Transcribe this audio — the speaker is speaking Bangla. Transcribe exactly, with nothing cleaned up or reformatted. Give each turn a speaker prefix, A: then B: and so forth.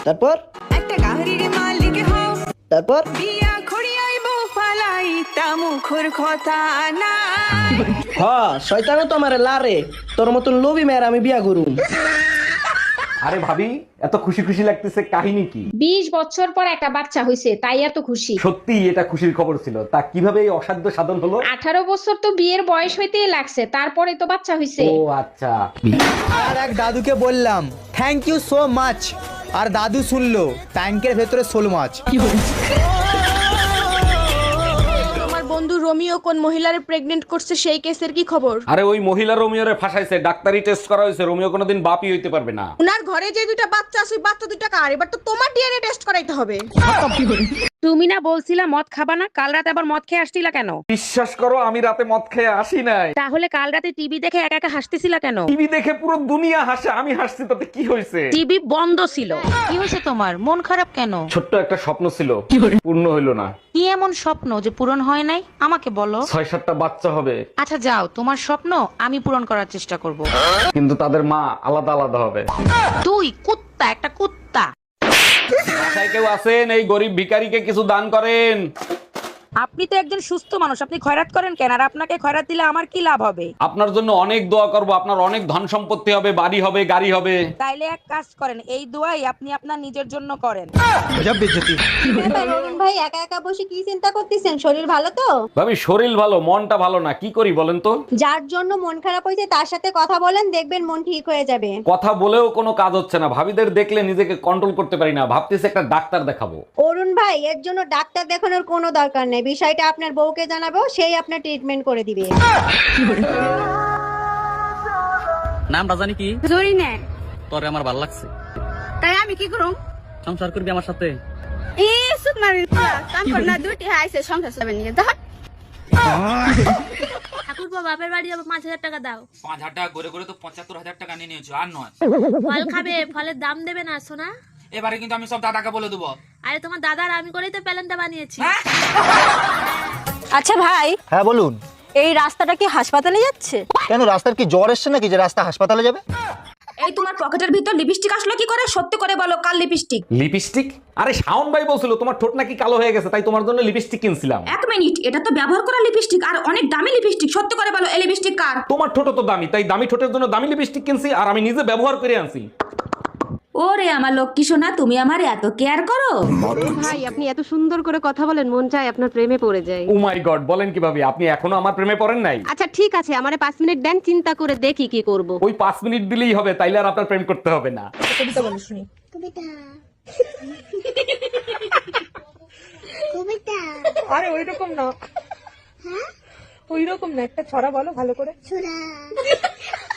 A: তারপর
B: একটা গাড়ির মালিক হও,
A: তারপর
B: বিয়া খড়িয়াইব ফালাইতা মুখর কথা না।
A: হ শয়তানও তো আমারে লারে, তোর মতন লোভী মেয়ের আমি বিয়া করুম।
C: আরে ভাবি, এত খুশি খুশি লাগতেছে, কাহিনী কি?
D: বিশ বছর পর একটা বাচ্চা হয়েছে তাই এত খুশি।
C: সত্যি এটা খুশির খবর ছিল। তা কিভাবে এই অসাধ্য সাধন হলো?
D: আঠারো বছর তো বিয়ের বয়স হইতেই লাগছে, তারপরে তো বাচ্চা হয়েছে।
C: ও আচ্ছা।
E: আর এক দাদুকে বললাম থ্যাংক ইউ সো মাচ, আর দাদু শুনলো ট্যাঙ্কের ভেতরে শোল মাছ।
F: আমার বন্ধু রোমিও কোন মহিলার প্রেগনেন্ট করছে সেই কেসের কি খবর?
C: আরে ওই মহিলা রোমিওরে ফাঁসাইছে, ডাক্তারি টেস্ট করা হয়েছে, রোমিও কোনোদিন বাপই হইতে পারবে না।
F: উনার ঘরে যে দুইটা বাচ্চা আছে, ওই বাচ্চা দুইটা কার? এবার তো তোমার ডিএনএ টেস্ট করাইতে হবে।
D: তুমি না বলছিলা মদ খাবা না, কাল রাতে আবার মদ খেয়ে আসছিলা কেন?
C: বিশ্বাস করো আমি রাতে মদ খেয়ে আসি নাই।
D: তাহলে কাল রাতে টিভি দেখে একা একা হাসতেছিলা কেন?
C: টিভি দেখে পুরো দুনিয়া হাসে, আমি হাসছি, তাতে কি হয়েছে?
D: টিভি বন্ধ ছিল।
G: কি হয়েছে তোমার? মন খারাপ কেন?
C: ছোট্ট একটা স্বপ্ন ছিল, পূর্ণ হইল না।
G: কি এমন স্বপ্ন যে পূরণ হয় নাই? আমাকে বলো।
C: ছয় সাতটা বাচ্চা হবে,
G: আচ্ছা যাও, তোমার স্বপ্ন আমি পূরণ করার চেষ্টা করব।
C: কিন্তু তাদের মা আলাদা আলাদা হবে।
G: তুই কুত্তা, একটা কুত্তা।
C: বাসায় কেউ আছেন? এই গরিব ভিখারিকে কিছু দান করেন।
D: আপনি তো একজন সুস্থ মানুষ, আপনি খয়রাত করেন কেন? আর আপনাকে খয়রাত দিলে আমার কি লাভ হবে?
C: আপনার জন্য অনেক দোয়া করব, আপনার অনেক ধন সম্পত্তি হবে, বাড়ি হবে, গাড়ি হবে।
D: তাইলে এক কাজ করেন, এই দোয়াই আপনি আপনার নিজের জন্য করেন।
H: অরুণ ভাই একা একা বসে কি চিন্তা করতেছেন? শরীর ভালো তো?
C: ভাবি শরীর ভালো, মনটা ভালো না, কি করি বলেন তো?
H: যার জন্য মন খারাপ হয়েছে তার সাথে কথা বলেন, দেখবেন মন ঠিক হয়ে যাবে।
C: কথা বলেও কোনো কাজ হচ্ছে না, ভাবিদের দেখলে নিজেকে কন্ট্রোল করতে পারি না, ভাবতেছি একটা ডাক্তার দেখাবো।
H: অরুণ ভাই এর জন্য ডাক্তার দেখানোর কোনো দরকার নেই, বিষয়টা আপনার বউকে জানাবো, সেই আপনার ট্রিটমেন্ট করে দিবে।
I: নামটা জানি কি?
F: জরি নে
I: তোরে আমার ভালো লাগছে,
F: তাই আমি কি করুম?
I: সংসার করবি আমার সাথে?
F: এ সুত মারি কাম কর না, দুটি আইছে সংসার চালাবে নিয়ে যা।
J: ঠাকুরপো বাপের বাড়ি যাবো, পাঁচ হাজার টাকা দাও।
I: পাঁচ হাজার টাকা করে করে তো পঁচাত্তর হাজার টাকা নিয়ে নিয়েছো, আর নয়।
J: ফল খাবে, ফলের দাম দেবে না সোনা?
I: এবারে কিন্তু আমি সব দাদাকে বলে দেবো।
J: আরে তোমার দাদার আমি করেই তো প্যালেনটা বানিয়েছি।
H: আচ্ছা ভাই,
E: হ্যাঁ বলুন।
H: এই রাস্তাটা কি হাসপাতালে যাচ্ছে?
E: কেন, রাস্তার কি জ্বর এসছে নাকি যে রাস্তা হাসপাতালে যাবে?
F: এই তোমার পকেটের ভিতর লিপস্টিক আসলো কি করে? সত্যি করে বলো, কাল লিপস্টিক?
C: লিপস্টিক? আরে শাওন ভাই বলছিল তোমার ঠোঁট নাকি কালো হয়ে গেছে, তাই তোমার জন্য লিপস্টিক কিনছিলাম।
F: এক মিনিট, এটা তো ব্যবহার করা লিপস্টিক আর অনেক দামি লিপস্টিক। সত্যি করে বলো, এই লিপস্টিক কার?
C: তোমার ঠোঁট তো দামি, তাই দামি ঠোঁটের জন্য দামি লিপস্টিক কিনছি, আর আমি নিজে ব্যবহার করে আনছি।
F: ওরে আমার লক্ষ্মী সোনা, তুমি আমার এত কেয়ার করো।
H: ভাই আপনি এত সুন্দর করে কথা বলেন, মন চায় আপনার প্রেমে পড়ে যায়।
C: ও মাই গড, বলেন কিভাবে? আপনি এখনো আমার প্রেমে পড়েন নাই?
H: আচ্ছা ঠিক আছে, আমারে পাঁচ মিনিট দেন, চিন্তা করে দেখি কি করব।
C: ওই পাঁচ মিনিট দিলেই হবে, তাইলে আর আপনার প্রেম করতে হবে না।
F: কবিতা বলো শুনি। আরে ওই রকম না, ওই রকম না, একটা ছড়া বলো ভালো করে।